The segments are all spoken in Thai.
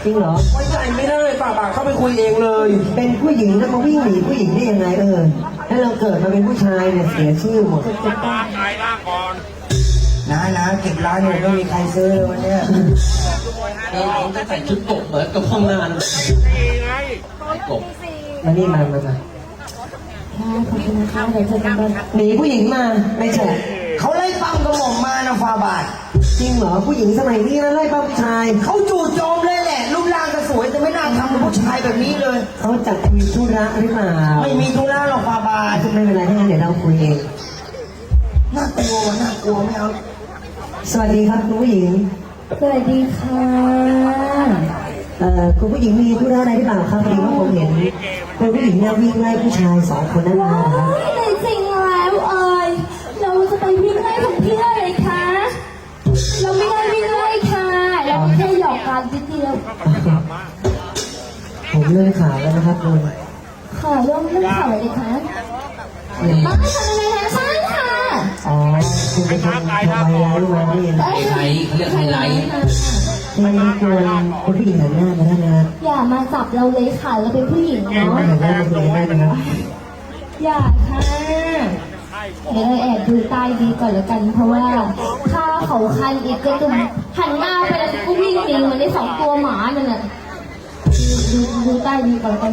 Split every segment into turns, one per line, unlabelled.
จริงเหรอ
ไว้ใจไม่ได้ฝ่าบาทเข้าไปคุยเองเลย
เป็นผู้หญิงแล้วมาวิ่งหนีผู้หญิงได้ยังไงถ้าเราเกิดมาเป็นผู้ชายเนี่ยเสียชื่อหมดนะเก็บร้านเนี่ยไม่มีใครซื้อเลยวันเนี้ย
เราจะใส่ชุดกบเหมือนกับห้องน้ำกบ
มานี่มา
ขอบคุณนะคะเดี๋ยวเจอกันบน
หนีผู้หญิงมาไม่ใช่
เขาไล่ปั้มกระหม่อมมานะฟาบาท
จริงเหรอผู้หญิงสมัยนี้นะไล่ป้าผู้ชาย
เขาจู่โจมเลยแหละรูปร่างก็สวยแต่ไม่น่าทำกับผู้ชายแบบนี้เลย
เขาจัดมีธุระหรือเปล่า
ไม่มีธุระหรอกฟาบาท
ไม่เป็นไรถ้างั้นเดี๋ยวเราคุยเอง
น่ากลัวไม่เอา
สวัสดีครับคุณผู้หญิง
สวัสดีค่ะ
คุณผู้หญิงมีธุระอะไรหรือเปล่าครับพอดีว่าผมเห็นคุณผู้หญิงเนี่ยวิ่งไล่ผู้ชาย2 คนนั่นเองครับ
ในจริงแล้วเราจะไปวิ่งไล่ของพี่อะไรคะเราไม่ได้วิ่งไล่ค่ะเราแค่หยอกกันนิดเดียว
ผมเลื่อนข่าวแล้วนะครับคุณ
ค่ะเรื่องข่าวอะไรคะมาให้ทำอะไรนะใช่ค่ะ
อ๋อคุณไปทำไฮไลท์มาได้ยังไง
ไฮเขาเรียกไฮไลท์
ไม่ควรคุณผู้หญิงหันหน้ามาได้นะครับ
อย่ามาจับเราเลยค่ะเราเป็นผู้หญิงเนาะ
หันหน้ามาคุยได้นะครับ
อย่าค่ะเดี๋ยวเราแอบดูใต้ดีก่อนแล้วกันเพราะว่าถ้าเขาคันอีกก็จะหันหน้าไปแล้วก็วิ่งหนีเหมือนได้2 ตัวหมานั่นแหละดูใต้ดีก่อนแล้วกัน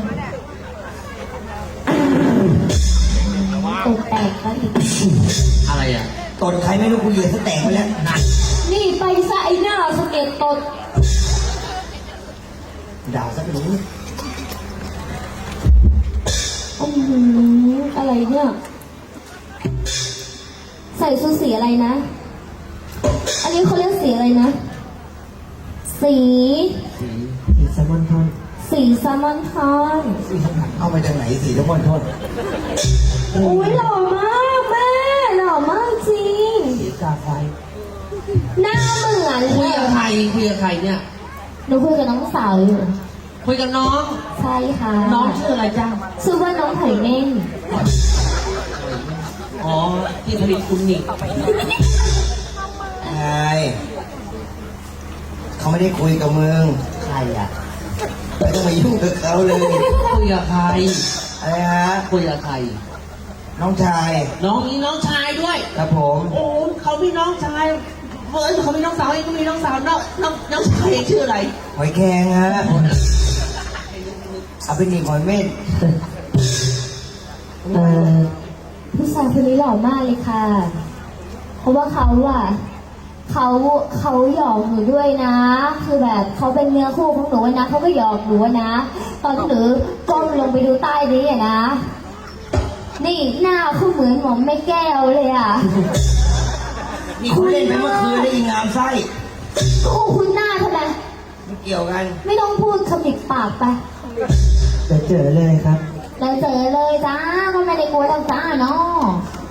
ตกแตกแล้วอีก
อะไรอ่ะ
ตดใครไม่รู้กูเหยียดซะแตกไปแล้ว
นี่ไปซะไอ้หน้าสเก็ตตด
ด่าซะไปรู้
อะไรเนี่ยใส่ชุดสีอะไรนะอันนี้เขาเรียกสีอะไรนะสี
แซลมอนทอน
สีแซลมอนทอน
เอาไปจากไหนสีแซลมอนทอน
อุ้ยหล่อมากแม่หล่อมากจริง
สีกาไฟ
หน้าเหมือน
คุยกับใครเนี่ย
หนูคุยกับน้องสาวอยู่
คุยกับน้อง
ใช่ค่ะ
น้องชื่ออะไรจ้า
ชื่อว่าน้องไผ่เม่น
อ๋อที่ผลิตคุณนี่
ใช่เขาไม่ได้คุยกับมึง
ใครอ่ะ
ไม่ต้องมายุ่งกับเขาเลย
คุยกับใคร
อะไรฮะ
คุยกับใคร
น้องชาย
น้องมีน้องชายด้วย
ครับผม
โอ้เขามีน้องชายเขามีน้องสาวเองก็มีน้องสาวน้องชายชื่ออะไร
หอยแครงฮะเอาไปหนีหอยเม่น
ผู้ชายคนนี้หล่อมากเลยค่ะเพราะว่าเขาหยอกหนูด้วยนะคือแบบเขาเป็นเนื้อคู่ของหนูนะเขาก็หยอกหนูนะตอนหนูก้มลงไปดูใต้นี้อะนะนี่หน้าเขาเหมือนหมอมแม่แก้วเลยอ่ะ
นี่คุณเล่นไปเมื่อคืนได้ยิงงามไส้
คุณหน้าทำไม
ไม่เกี่ยวกัน
ไม่ต้องพูดขมิบปากไป
เจอเลยครับ
เราเจอเลยจ้าก็ไม่ได้กลัวทางจ้าเนาะ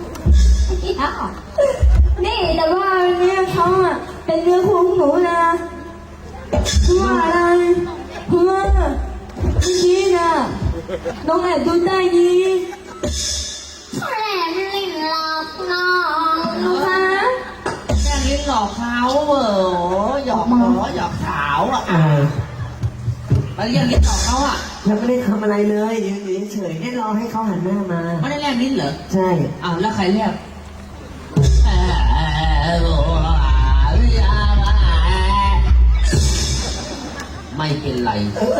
นี่แต่ว่าเนี่ยเขาอะเป็นเนื้อคู่ของหนูนะว่าอะไรเพื่อนี่นะน้องแอบดูใต้นี้แหลมลิ้นหลอกน้องนะคะ
แค่ลิ้นหลอกเขาหยอกหยอกสาวอ่ะแล้วยังลิ้นหลอกเขาอ่ะ
ยังไม่ได้ทำอะไรเลยยืนเฉยได้รอให้เขาหันหน้ามา
ไม่ได้แลบลิ้นเหรอ
ใช่
อ้าวแล้วใครแลบไม่เป็นไร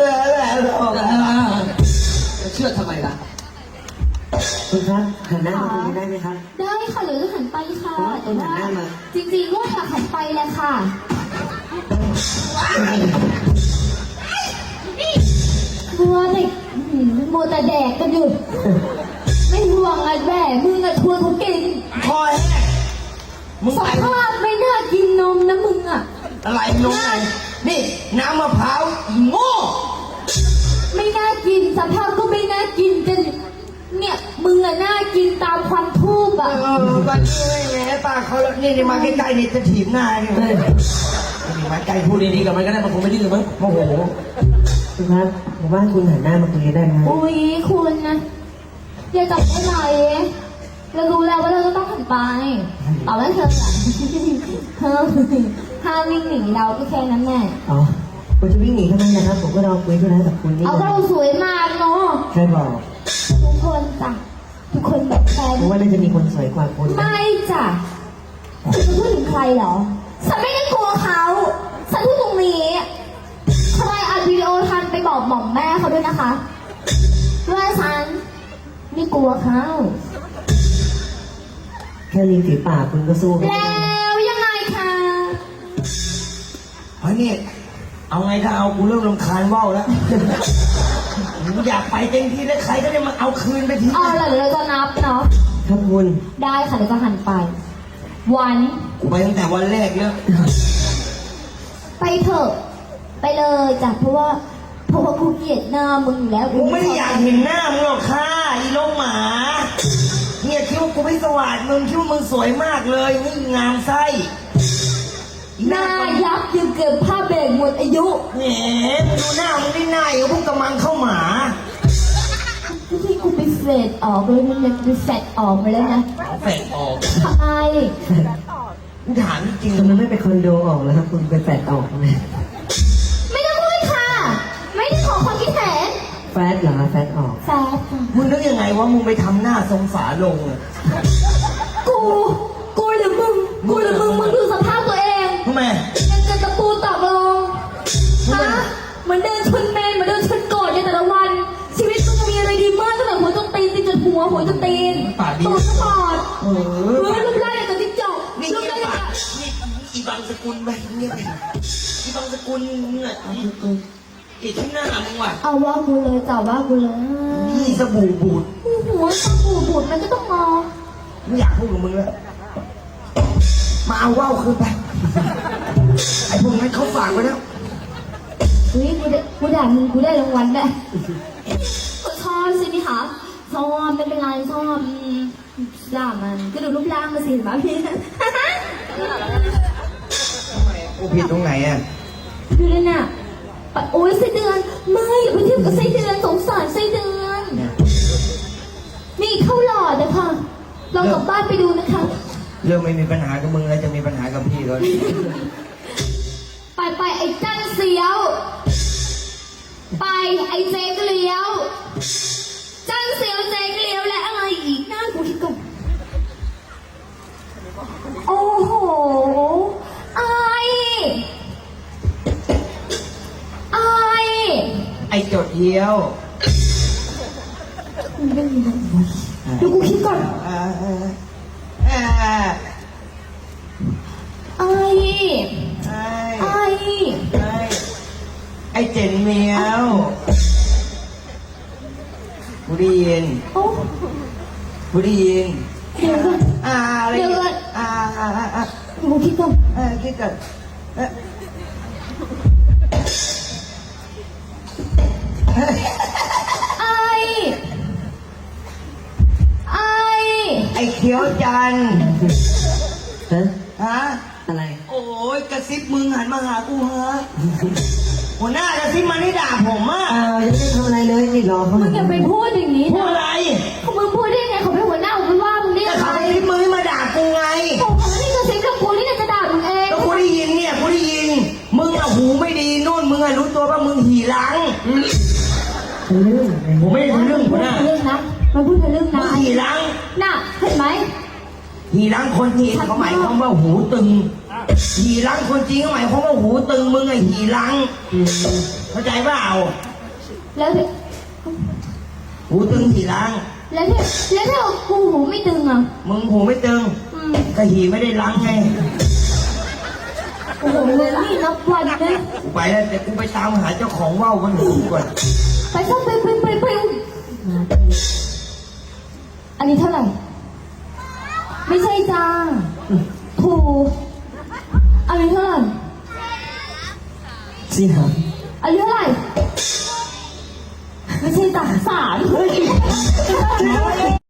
เชื่อทำไมล่ะ
คุณครับหันหน้ามาคุยได้ไหมครับ
ได้ค่ะหรือหันไปค่ะแต่ว่าจริงๆก็อยากหันไปแหละค่ะมัวแต่แดกกันอยู่ไม่ห่วงไอ้แม่มึงอะชวนเขากิน
คอย
สภาพไม่น่ากินนมนะมึงอะ
อะไรนมไงนี่น้ำมะพร้าวโง่
ไม่น่ากินสภาพก็ไม่น่ากินกันเนี่ยมึงอะน่ากินตามความทูบอะ
วันนี้ไม่แม่ป้าเขานี่มาใกล้ๆนี่จะถีบหน้าเนี่ยมาใกล้พูดดีๆกับมันก็ได้มันคงไม่ดื้อมั้งโอ้โห
คุณครับผมว่าคุณหันหน้ามาคุยได้ไหม
อุ้ยคุณนะอย่าจับได้ไหมเรารู้แล้วว่าเราจะต้องหันไปแต่ว่าเธอห้ามวิ่งหนีเราก็แค่นั้นแน่
อ๋อคุณจะวิ่งหนีทำไมนะครับผมก็รอคุยธุระกับคุณนี่
เอาก็เราสวยมากเนาะ
ใครบอก
ทุกคนจ้ะทุกคนแบบแฟน
ผมว่าน่าจะมีคนสวยกว่าคุณนะ
ไม่จ้ะคุณจะพูดถึงใครเหรอฉันไม่ได้กลัวเขาฉันพูดตรงนี้ใครอัดวิดีโอทันไปบอกหม่อมแม่เขาด้วยนะคะว่าฉันไม่กลัวเขา
แค่ริมฝีปากคุณก็สู้กัน
แล้วยังไงคะ
เฮ้ยนี่เอาไงถ้าเอากูเริ่มรำคาญว่าวแล้ว กูอยากไปเต็มที่แล้วใครก็ได้มาเอาคืนไปที
เอาล่ะเดี๋ยวเราจะนับเนาะ
ครับคุณ
ได้ค่ะเดี๋ยวจะหันไป วัน
กูไปตั้งแต่วันแรกแล้ว
ไปเถอะไปเลยจ้ะเพราะว่ากูเกลียดหน้ามึงอยู่แล้ว
กูไม่ได้อยากเห็นหน้ามึงหรอกค่ะอีโลกหมาเนี่ยคิดว่ากูไม่สว่างมึงคิดว่ามึงสวยมากเลยนี่งามไส้อี
หน้ายับยังเกินผ้าเบรกหมดอายุ
แหมมึงดูหน้ามึงนี่หน้าอย่างพวกกำมังเข้าหมา
ที่กูไปเฟดออกเลยมันเลยไปแฟดออกไปแล้วนะ
แฝงออก
ทำไม
กูถามจริง
ทำไมไม่ไปคอนโดออกแล้วครับคุณไปแฟดออกไหม
ไม่ต้องพูดค่ะ ไม่ได้ขอความคิดเห็น
แฟดเหรอแฟดออก
แฟดค่ะ
มึงนึกยังไงว่ามึงไปทำหน้าทรงฝาลงอะ
กูหรือมึงมึงดูสภาพตัวเอง
ทำไม
ยังจะตะปูตอกลงฮะเหมือนเดินชนเมนเหมือนเดินชนโกรธในแต่ละวัน ชีวิตมึงมีอะไรดีมากตั้งแต่หัวจนตีนตีนจนหัวจนตีนตูดก็ปอดรูปร่างอย่างกับจิ้งจก
นี่
รูป
เงีย
ร่าง
บ
อย่าง
ปะ
กับ
นี่อีบางสกุลไปเงียบไปอีบางสกุลเนี่ยติดที่หน้ามึงว่ะ
เอาว่ากูเลยจ้าว่ากูเลย
นี่สบู่บูด
หัวตาปูบูดมันก็ต้องมอง
ไม่อยากพูดกับมึงแล้วมาเอาว่าวคืนไปไอ้พวกนั้นเขาฝากไว้แล้ว
เฮ้ยกูด่ามึงกูได้รางวัลได้ก็ชอบใช่ไหมคะชอบไม่เป็นไรชอบด่ามันก็ดูรูปร่างมาสิเห็นไหมพี่
กูผิดตรงไหนอ่ะ
ดูเลยน่ะโอ้ยไส้เดือนไม่อย่าไปเทียบกับไส้เดือนสงสารไส้เดือนมีเท่าหลอดนะคะลองกลับบ้านไปดูนะคะ
เรื่องไม่มีปัญหากับมึงแล้วจะมีปัญหากับพี่เขา
ไปไอ้จันเสียว ไปไอ้เจ๊กเลี้ยว จันเสียวเจ๊กเลี้ยวและอะไรอีกหน้ากูคิดก่อนโอ้โหไอ้
จดเยี่ยว
ดูกูคิดก่อน ไอ้
เจนเมียวกูได้ยิน
โอ้
กูได้ยิน
เดี๋ยวก่อน
อะไร
เดี๋ยวก่อน ดูกูคิดก่อน
คิดก่อน ไอ้เขียวจันทร์
ฮะ
ฮะ
อะไร
โอ้ยกระซิบมึงหันมาหากูฮะหัวหน้ากระซิบมานี่ด่าผมอ่ะ
อ้าวยังไม่ได้ทำอะไรเลยนี่รอเขา
มึงอย่าไปพูดอย่างนี้
พูด
นะ
อะไร
เขามึงพูดได้ไงเขาเป็นหัวหน้าผมไม่ว่ามึงได้
ก็
ยังไง
เขากระซิบมือมาด่ากูไง
ผมไม่ได้กระซิบกับกูนี่จะด่ามึงเอง
ก็กูได้ยินเนี่ยกูได้ยิน มึงอะหูไม่ดีนู่นมึงอะรู้ตัวว่ามึงหีหลัง
เป็นเรื่องอะไร
ผมไม่ได้ทะลึ่งหัวหน้า
เรื่องนะมันพูดเรื่อง
มึ
นะ
งหีหลัง
น่ะเห็นไหม
หีหลังคนจีนเขาหมายความว่าหูตึงหีหลังคนจีนเขาหมายความว่าหูตึงมึงไอ้หีหลังเข้าใจเปล่า
แล้ว
หูตึงหีหลัง
แล้วถ้ากูหูไม่ตึงอ่ะ
มึงหูไม่ตึงก็หีไม่ได้หลังไง
โอ้โหเลยนี่นับวันนะ
กูไปแล้วแต่กูไปตามหาเจ้าของว่าวมันหูก่อน
ไปซะไปอันนี้เท่าไหร่ไม่ใช่จ้าถูกอันนี้เท่าไหร่
สิครับ
อันนี้เท่าไหร่ไม่ใช่จ้า3